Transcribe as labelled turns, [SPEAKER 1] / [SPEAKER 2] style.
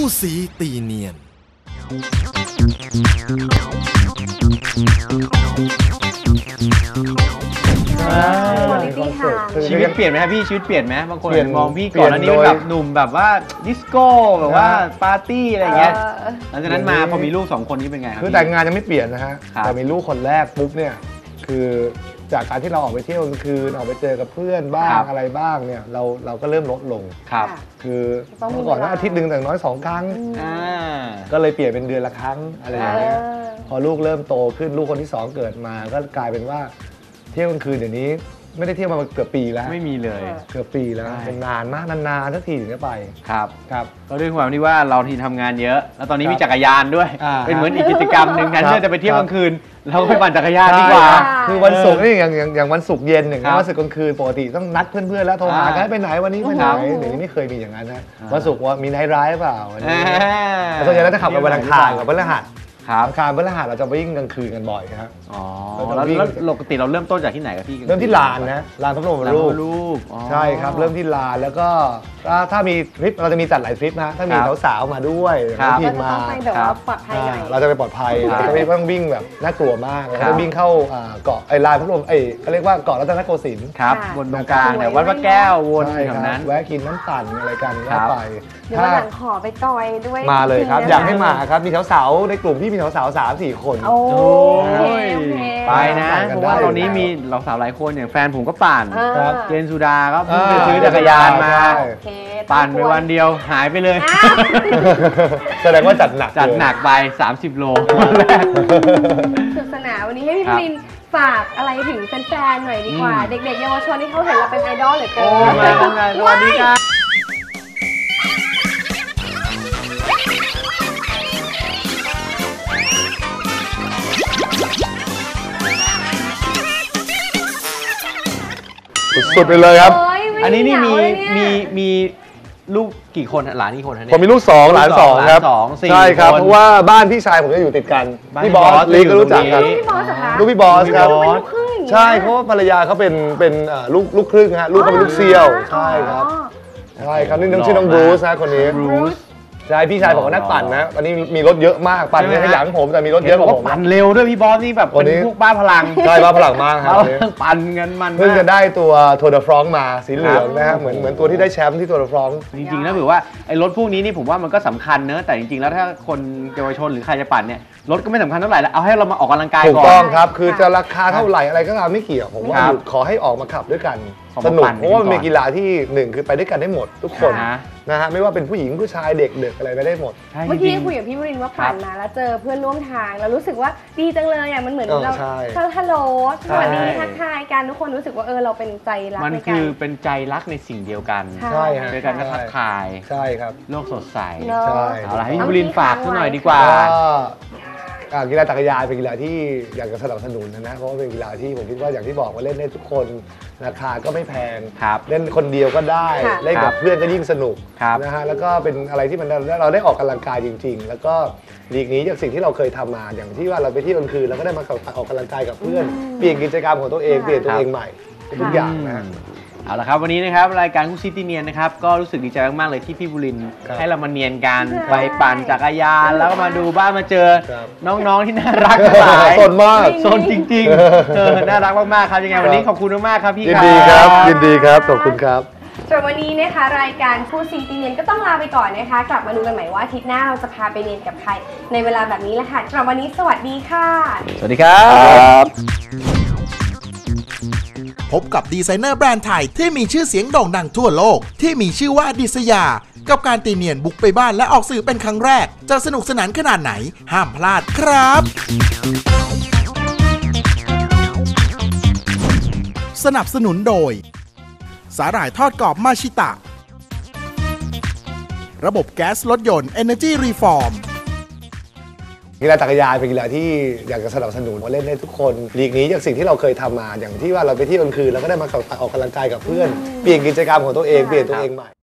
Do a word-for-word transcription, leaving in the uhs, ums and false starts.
[SPEAKER 1] สีตีเนียน
[SPEAKER 2] ชีวิตเปลี่ยนไหมครับพี่ชีวิตเปลี่ยนไหมบางคนมองพี่ก่อนอันนี้เป็นแบบหนุ่มแบบว่าดิสโก้แบบว่าปาร์ตี้อะไรเงี้ยหลังจากนั้นมาพอมีลูกสองคนนี้เป็นไงครับ
[SPEAKER 3] คือแต่งงานยังไม่เปลี่ยนนะฮะแต่มีลูกคนแรกปุ๊บเนี่ยคือจากการที่เราออกไปเที่ยวกลางคืนออกไปเจอกับเพื่อนบ้างอะไรบ้างเนี่ยเราเราก็เริ่มลดลง
[SPEAKER 2] ครับ
[SPEAKER 3] คือเมื่อก่อนอาทิตย์หนึ่งแต่น้อยสองครั้งก็เลยเปลี่ยนเป็นเดือนละครั้งอะไรอย่างเงี้ยพอลูกเริ่มโตขึ้นลูกคนที่สองเกิดมาก็กลายเป็นว่าเที่ยวกลางคืนเดี๋ยวนี้ไม่ได้เที่ยวมาเกือบปีแล้ว
[SPEAKER 2] ไม่มีเลย
[SPEAKER 3] เกือบปีแล้วเป็นนานมากนานๆสักทีถึงจะไป
[SPEAKER 2] ครับ
[SPEAKER 3] ครับ
[SPEAKER 2] ก็ด้วยความที่ว่าเราที่ทำงานเยอะแล้วตอนนี้มีจักรยานด้วยเป็นเหมือนอีกกิจกรรมหนึ่งแทนที่จะไปเที่ยวกลางคืนเราไปปั่นจักรยานดีกว่า
[SPEAKER 3] คือวันศุกร์นี่อย่างอย่างอย่างวันศุกร์เย็นอย่างวันศุกร์กลางคืนปกติต้องนัดเพื่อนๆแล้วโทรหากันไปไหนวันนี้ไปไหนเดี๋ยวนี้ไม่เคยมีอย่างนั้นนะวันศุกร์ว่ามีไนท์ไรด์เปล่าวันนี้แต่ส่วนใหญ่เราจะขับไปวันอังคารกับวันพฤหัสอังคารพฤหัสเราจะวิ่งกลางคืนกันบ่อยครับ
[SPEAKER 2] อ๋อแล้วปกติเราเริ่มต้นจากที่ไหนครับพี่
[SPEAKER 3] เริ่มที่ลานนะลานพระบรมรูปใช่ครับเริ่มที่ลานแล้วก็ถ้ามีทริปเราจะมีจัดหลายทริปนะถ้ามีสาวๆมาด้วยทีมมาเราจะไปปลอดภัยเราจะไม่ต้องวิ่งแบบน่ากลัวมากเราจะวิ่งเข้าเกาะไอ้ลานพระบรมไอ้เขาเรียกว่าเกาะรัตนโกสินทร์
[SPEAKER 2] ครับบนตรงกลางเนี่ยวัดพระแก้ววนแถวนั้น
[SPEAKER 3] แวะกินน้ำปั่นอะไรกันก็ไป
[SPEAKER 4] เดี๋ยววันหลังขอไปจอยด้วย
[SPEAKER 3] มาเลยครับอยากให้มาครับมีสาวๆในกลุ่มที่มีสาวๆสามสี่คน
[SPEAKER 4] โอ้ย
[SPEAKER 2] ไปนะเพราะว่าตอนนี้มีเราสาวหลายคนอย่างแฟนผมก็ปั่นเจนสุดาก็เพิ่งไปซื้อจักรยานมาปั่นไปวันเดียวหายไปเลย
[SPEAKER 3] แสดงว่าจัดหนัก
[SPEAKER 2] จัดหนักไปสามสิบโล
[SPEAKER 4] สุดสนานวันนี้ให้พี่พลินฝากอะไรถึงแฟนๆหน่อยดีกว่าเด็กๆเยาวชนที่เขาเห็นเราเป็นไอดอลเหลือเกิน
[SPEAKER 2] สวัสดีครับ
[SPEAKER 3] สุดไปเลยครับ
[SPEAKER 2] อันนี้นี่มีมีมีลูกกี่คนหลานกี่คนฮะเนี่ย
[SPEAKER 3] ผมมีลูกสองหลานสองครับใช่ครับเพราะว่าบ้านพี่ชายผมจะอยู่ติดกันพี่บอสลีก็รู้จักกันลูกพี่บอสครับใช่เพราะว่าภรรยาเขาเป็นเป็นลูกลูกครึ่งฮะลูกเขาเป็นลูกเซี่ยวใช่ครับใช่ครับนี่น้องชื่อน้องบรูซนะคนนี้ใช่พี่ชายบอกว่านักปั่นนะตอนนี้มีรถเยอะมากปั่นในขยันผมแต่มีรถเยอะกว่าผม
[SPEAKER 2] ปั่นเร็วด้วยพี่บอสนี่แบบเป็นพวกบ้าพลัง
[SPEAKER 3] ใช่บ้าพลังมากครับ
[SPEAKER 2] ปั่นเงินมัน
[SPEAKER 3] เพิ่งจะได้ตัวทัวร์เดอะฟรองก์มาสีเหลืองนะฮะเหมือนเหมือนตัวที่ได้แชมป์ที่ทัวร์เดอะฟรองก์
[SPEAKER 2] จริงๆแล้วถือว่าไอ้รถพวกนี้นี่ผมว่ามันก็สำคัญเนอะแต่จริงๆแล้วถ้าคนเยาวชนหรือใครจะปั่นเนี่ยรถก็ไม่สำคัญเท่าไหร่แล้วเอาให้เรามาออกกำลังกายก่อน
[SPEAKER 3] ถูกต้องครับคือจะราคาเท่าไหร่อะไรก็ตามไม่เกี่ยวผมว่าขอให้ออกมาขับด้วยกันสนุกเพราะว่ามันเป็นกีฬาที่หนึ่งคือไปด้วยกันได้หมดทุกคนนะฮะไม่ว่าเป็นผู้หญิงผู้ชายเด็กเด็กอะไรไปได้หมด
[SPEAKER 4] เมื่อกี้คุยกับพี่วรินทร์ว่าปั่นมาแล้วเจอเพื่อนร่วมทางแล้วรู้สึกว่าดีจังเลยอ่ะมันเหมือนเราฮัลโหลสวัสดีทักทายกันทุกคนรู้สึกว่าเออเราเป็นใจรัก
[SPEAKER 2] มันคือเป็นใจรักในสิ่งเดียวกัน
[SPEAKER 3] ใช่
[SPEAKER 2] โดยการก็ทักทาย
[SPEAKER 3] ใช่ครับ
[SPEAKER 2] โลกสดใสใช่เอาล่ะพี่วรินทร์ฝากสักหน่อยดีกว่า
[SPEAKER 3] กีฬาจักรยานเป็นกีฬาที่อยากจะสนับสนุนนะเพราะว่าเป็นกีฬาที่ผมคิดว่าอย่างที่บอกว่าเล่นได้ทุกคนราคาก็ไม่แพงเล่นคนเดียวก็ได้เล่นกับเพื่อนก็ยิ่งสนุกนะฮะแล้วก็เป็นอะไรที่มันเราได้ออกกำลังกายจริงๆแล้วก็ลีกนี้จากสิ่งที่เราเคยทำมาอย่างที่ว่าเราไปเที่ยวกลางคืนเราก็ได้มาออกกำลังกายกับเพื่อนเปลี่ยนกิจกรรมของตัวเองเปลี่ยนตัวเองใหม่ทุกอย่างนะ
[SPEAKER 2] เอาละครับวันนี้นะครับรายการคู่ซิตี้เนียนนะครับก็รู้สึกดีใจมากๆเลยที่พี่บุรินทร์ให้เรามาเนียนกันไปปั่นจักรยานแล้วก็มาดูบ้านมาเจอน้องๆที่น่ารักหลาย
[SPEAKER 3] สนมาก
[SPEAKER 2] สนจริงๆเออน่ารักมากๆครับยังไงวันนี้ขอบคุณมากๆครับพี่
[SPEAKER 3] ยินดีครับยินดีครับขอบคุณครับ
[SPEAKER 4] ส่วนวันนี้นะคะรายการคู่ซิตี้เนียนก็ต้องลาไปก่อนนะคะกลับมาดูกันใหม่ว่าอาทิตย์หน้าเราจะพาไปเรียนกับใครในเวลาแบบนี้แหละค่ะสำหรับวันนี้สวัสดีค่ะ
[SPEAKER 2] สวัสดีครับ
[SPEAKER 1] พบกับดีไซเนอร์แบรนด์ไทยที่มีชื่อเสียงโด่งดังทั่วโลกที่มีชื่อว่าดิษยากับการตีเนียนบุกไปบ้านและออกสื่อเป็นครั้งแรกจะสนุกสนานขนาดไหนห้ามพลาดครับสนับสนุนโดยสาหร่ายทอดกรอบมาชิตะระบบแก๊สรถยนต์ Energy Reform
[SPEAKER 3] กีฬาจักรยานเป็นกีฬาที่อยากจะสนับสนุนเล่นได้ทุกคนลีกนี้จากสิ่งที่เราเคยทำมาอย่างที่ว่าเราไปเที่ยวกลางคืนเราก็ได้มาออกกำลังกายกับเพื่อนเปลี่ยนกิจกรรมของตัวเองเปลี่ยนตัวเองใหม่